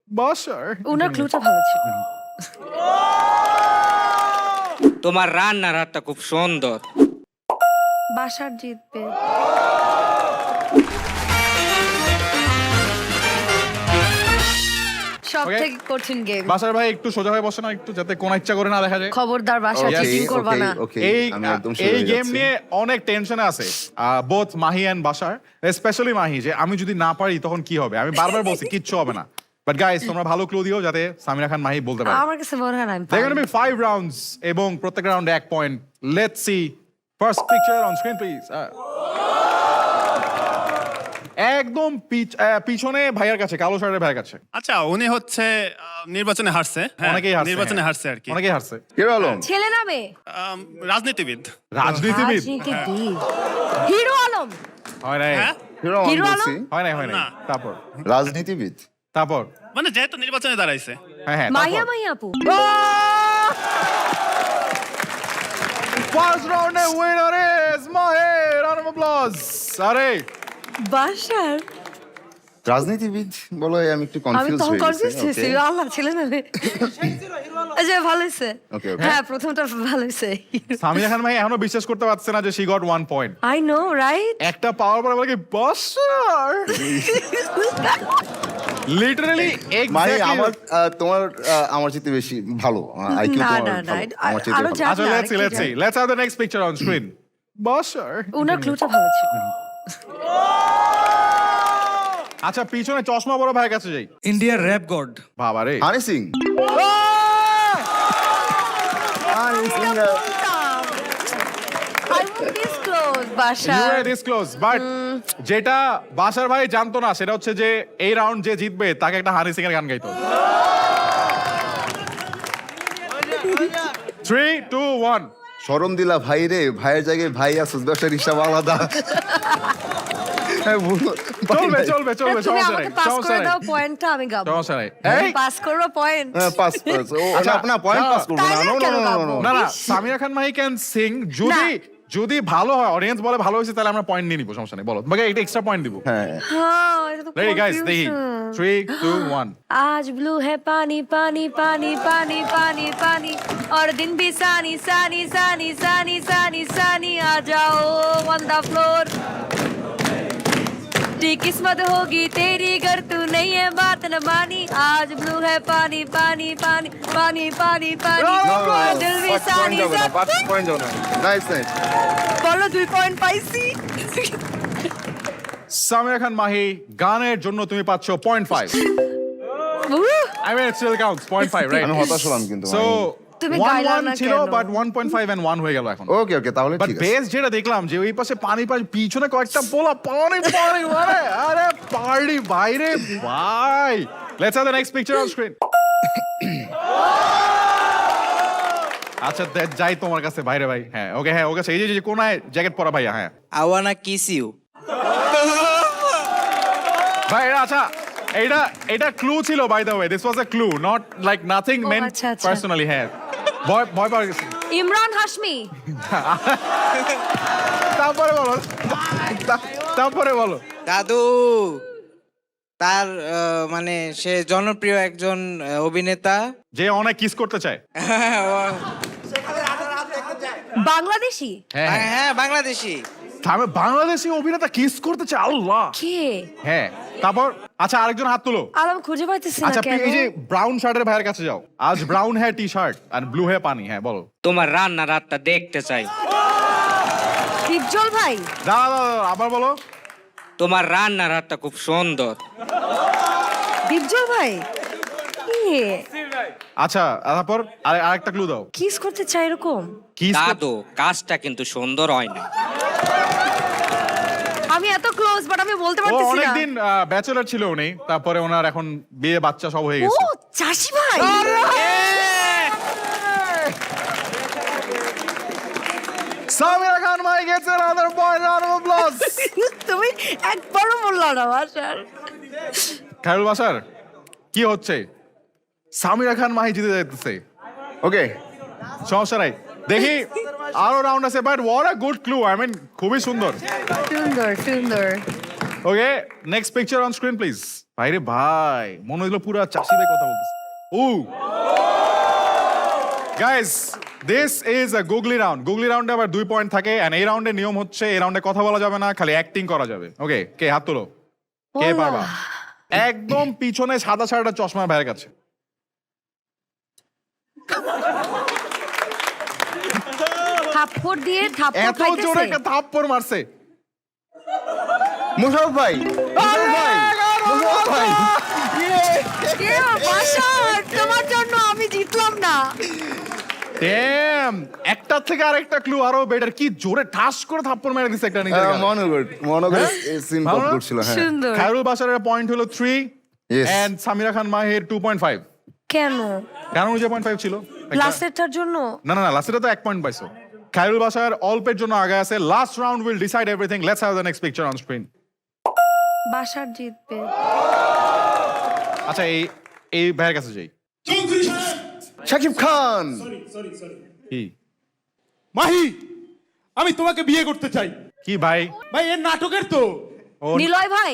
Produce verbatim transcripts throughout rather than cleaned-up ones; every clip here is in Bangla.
বাসার ওনার ক্লুটা ভালো ছিল। তোমার রান্নার হাতটা খুব সুন্দর। বাসার জিতবে। সব Okay. থেকে কঠিন গেম। বাসার ভাই একটু সোজা হয়ে বসে না একটু, যাতে কোন ইচ্ছা করে না দেখা যায়। খবরদার বাসা Okay, চিটিং করবা না। এই আমি একদম এই গেম নিয়ে অনেক টেনশনে আছে both Mahi and Basar, specially Mahi, যে আমি যদি না পারি তখন কি হবে। আমি বারবার বলছি কিচ্ছু হবে না, বাট গাইস তোমরা ভালো ক্লু দিও যাতে সামিরা খান মাহি বলতে পারে। আমার কাছে মনে হয় না আমি They're পারবো। going to be five rounds এবং প্রত্যেক রাউন্ডে এক point. Let's see first picture on screen please. Uh, একদম পিছ- আহ, পিছনে ভাইয়ার কাছে, কালো শার্টের ভাইয়ের কাছে। আচ্ছা উনি হচ্ছে আহ, নির্বাচনে হারছে হ্যাঁ, অনেকেই হারছে, নির্বাচনে হ্যাঁ। হারছে আর কি অনেকেই হারছে। হিরো আলম ছেলে না মেয়ে? আম, রাজনীতিবিদ রাজনীতিবিদ রাজনীতিবিদ। হিরো আলম। হয় নাই, হ্যাঁ হিরো আলম হিরো বলছি হয় নাই, হয় নাই। না। তারপর রাজনীতিবিদ তারপর মানে যেহেতু নির্বাচনে দাঁড়াইছে হ্যাঁ হ্যাঁ মাহিয়া মাহিয়া আপু। ফার্স্ট রাউন্ডে winner is Mahi. Round of applause. আরে বাসার রাজনীতিবিদ বলো আমি একটু আমি কনফিউজ তখন হয়ে কনফিউজ গেছি হয়েছি। আল্লাহ ছেলে না মেয়ে? আচ্ছা ভালো হয়েছে। Okay, okay. হ্যাঁ প্রথমটা ভালো হয়েছে। সামিরা খান ভাই এখনো বিশ্বাস করতে পারছে না যে she got one point. I know right. একটা পাওয়ার পরে বলে কি বাসার, লিটারালি মানে এক্স্যাক্টলি। আমার আহ, তোমার আহ, আমার চেয়ে বেশি ভালো আইকিউ না, তোমার না, না, ভালো, আ- আমার চেয়ে আরো ভালো। যা- আচ্ছা না, লেটস সি আরেকটু let's see let's have the next picture on screen. Basar ওনার ক্লুটা ভালো ছিল। আচ্ছা পিছনে চশমা বড় ভাইয়ের কাছে যাই। ইন্ডিয়ার র্যাপ গড। বাবা রে, Honey Singh Honey Singh I was this close, you Basar. আর দিস ক্লোজ, বাট যেটা বাসার ভাই জানতো না সেটা হচ্ছে যে এই রাউন্ড যে জিতবে তাকে একটা হানি সিং এর গান গাইতো। Three two one. শরম দিলা ভাই রে, ভাইয়ের জায়গায় ভাই আসুস, ব্যবসার হিসাব আলাদা। হ্যাঁ, বলো। চলবে চলবে চলবে, তুমি সমস্যা নেই আমাকে পাস সমস্যা করে নেই দাও, পয়েন্টটা আমি গাবো। সমস্যা নেই। এই পাস করবো পয়েন্ট। হ্যাঁ, পাস পাস ও আচ্ছা, না, আপনার পয়েন্ট না, পাস করবো না তাইলে নো নো কেন নো গাবো? নো না না, ইস। Samira Khan Mahi can sing. যদি যদি ভালো হয়, অডিয়েন্স বলে ভালো হয়েছে, তাহলে আমরা পয়েন্ট নিয়ে নিবো, সমস্যা নেই। বলো তোমাকে একটা এক্সট্রা পয়েন্ট দিব। হ্যাঁ হ্যাঁ এটা তো রেডি গাইস, দেখি confusion। Three two one. आज ब्लू है पानी पानी पानी पानी पानी पानी और दिन भी सानी सानी सानी सानी सानी सानी आ जाओ ऑन द फ्लोर टी किस्मत होगी तेरी अगर तू नहीं है बात न मानी आज ब्लू है पानी पानी पानी पानी पानी पानी और दिल भी सानी सानी পয়েন্ট যাও না নাইস নাইস বলো দুই পয়েন্ট পাইছি সামিরা খান মাহি, গানের জন্য তুমি পাচ্ছ point five. I mean, it still counts, point five, right? আমি হতাশ হলাম কিন্তু So, তুমি one গাইলা one না ছিল, কেন? but one point five and one হয়ে গেল এখন। ওকে ওকে তাহলে But ঠিক আছে বেস যেটা দেখলাম যে ওই পাশে পানি পানি, পিছনে কয়েকটা পোলা পানি পানি, আরে আরে পার্টি বাইরে ভাই। Let's have the next picture on screen. আচ্ছা দে- যাই তোমার কাছে বাইরে ভাই। হ্যাঁ ওকে, হ্যাঁ ওকে, এই যে যে কোনায় জ্যাকেট পরা ভাইয়া, হ্যাঁ আই ওয়ানা কিস ইউ। ভাই এটা আচ্ছা, এটা এটা ক্লু ছিল, by the way this was a clue, not like nothing ও, মেন্ট আচ্ছা, আচ্ছা। পার্সোনালি। হ্যাঁ ভয় ভয় পাওয়া গেছে। ইমরান হাশমি তারপরে বলো, তা- তারপরে বলো। দাদু তার আহ, মানে সে জনপ্রিয় একজন আহ, অভিনেতা। যে অনেক কিস করতে চায়। বাংলাদেশি হ্যাঁ হ্যাঁ, হ্যাঁ বাংলাদেশি। আমি বাংলাদেশি অভিনেতা কিস করতে চায়, আল্লাহ। কে হ্যাঁ তারপর আচ্ছা আরেকজন হাত তুলো। আলাম খুঁজে পাইতেছি না আচ্ছা কেন এই যে ব্রাউন শার্টের ভাইয়ের কাছে যাও। আজ ব্রাউন হ্যাঁ টি শার্ট আর ব্লু হ্যাঁ পানি। হ্যাঁ বলো। তোমার রান্নার হাতটা দেখতে চাই। দীপজল ভাই দাঁড়া দাঁড়া, দাঁড়া, আবার বলো। তোমার রান্নার হাতটা খুব সুন্দর। দীপজল ভাই কে আচ্ছা তারপর আরে আরেকটা ক্লু দাও। কিস করতে চাই এরকম কিস দাদু কাজটা কিন্তু সুন্দর হয় না। আমি এত ক্লোজ বাট আমি বলতে ও পারতেছি না অনেকদিন ব্যাচেলর ছিল উনি, তারপরে ওনার এখন বিয়ে বাচ্চা সব হয়ে ও গেছে। চাষি ভাই Samira Khan Mahi gets another point, round of applause. তুমি একবারও বললা না বাসার খায়রুল বাসার কি হচ্ছে? সামিরা খান মাহি জিতে যাইতেছে। ওকে সমস্যা নাই, দেখি আরো রাউন্ড আছে, but what a good clue, I mean খুবই সুন্দর। সুন্দর সুন্দর okay next picture on screen please. ভাই রে ভাই মনে হইলো পুরা চাষি ভাই কথা বলতেছে ও guys this is a googly round googly রাউন্ডে আবার দুই পয়েন্ট থাকে এন্ড এই রাউন্ডের নিয়ম হচ্ছে এই রাউন্ডে কথা বলা যাবে না খালি অ্যাক্টিং করা যাবে ওকে কে হাত তোলো কে ওলা। পারবা একদম পিছনে সাদা সাদা চশমা ভাইয়ের কাছে থাপ্পড় দিয়ে থাপ্পড় এত জোরে খাইতেছে একটা থাপ্পড় মারছে মুশারফ ভাই মুশারফ ভাই মুশারফ ভাই কে বাসার তোমার জন্য আমি জিতলাম না ড্যাম একটা থেকে আরেকটা ক্লু আরো বেটার কি জোরে ঠাস করে থাপ্পড় মেরে দিছে একটা নিজের গালে। মনোগর মনোগর হ্যাঁ? সিন ভালো পপ না? করছিল হ্যাঁ সুন্দর খায়রুল বাশারের পয়েন্ট হলো three Yes. And Samira Khan মাহির টু পয়েন্ট ফাইভ কেন কেন যে পয়েন্ট ফাইভ ছিল একটা- লাস্টেরটার জন্য না না না লাস্টে তো এক পয়েন্ট পাইছো খায়রুল বাশার অল্পের জন্য আগে আছে last round will decide everything let's have the next picture on screen Basar জিতবে আচ্ছা এই এই ভাইয়ের কাছে যাই শাকিব খান কি মাহি আমি তোমাকে বিয়ে করতে চাই কি ভাই ভাই এর নাটকের তো ও নিলয় ভাই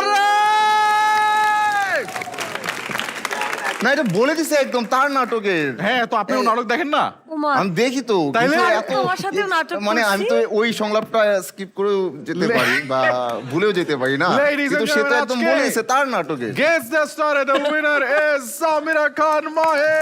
না এটা বলে দিছে একদম তার নাটকের হ্যাঁ তো আপনিও নাটক দেখেন না উমা আমি দেখি তো তাইলে? কিন্তু আমি এত তোমার সাথেও নাটক মানে আমি তো ওই সংলাপটা স্কিপ করেও যেতে পারি বা ভুলেও যেতে পারি না Ladies and কিন্তু সে তো gentlemen, একদম আজকে- বলে দিছে তার নাটকে Guess the star and the winner is Samira Khan Mahi.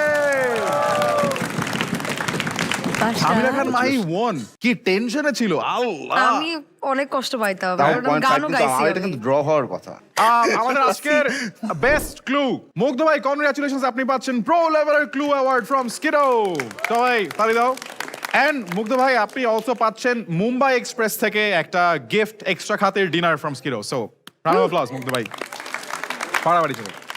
বাসার। সামিরা খান মাহি ওয়ান কি টেনশনে ছিল আল্লাহ আমি অনেক কষ্ট পাইতাম তাও কারণ আমি পয়েন্ট ফাইভ গানও কিন্তু গাইছি আমার এটা আমি। কিন্তু ড্র হওয়ার কথা আহ, আমাদের আজকের বেস্ট ক্লু মুগ্ধ ভাই কনগ্রাচুলেশনস আপনি পাচ্ছেন প্রো লেভেলের ক্লু অ্যাওয়ার্ড ফ্রম স্কিডো সবাই তালি দাও এন্ড মুগ্ধ ভাই আপনি অলসো পাচ্ছেন মুম্বাই এক্সপ্রেস থেকে একটা গিফট এক্সট্রা খাতের ডিনার ফ্রম স্কিডো সো রাউন্ড অফ অ্যাপ্লজ মুগ্ধ ভাই পাড়াবাড়ি চলো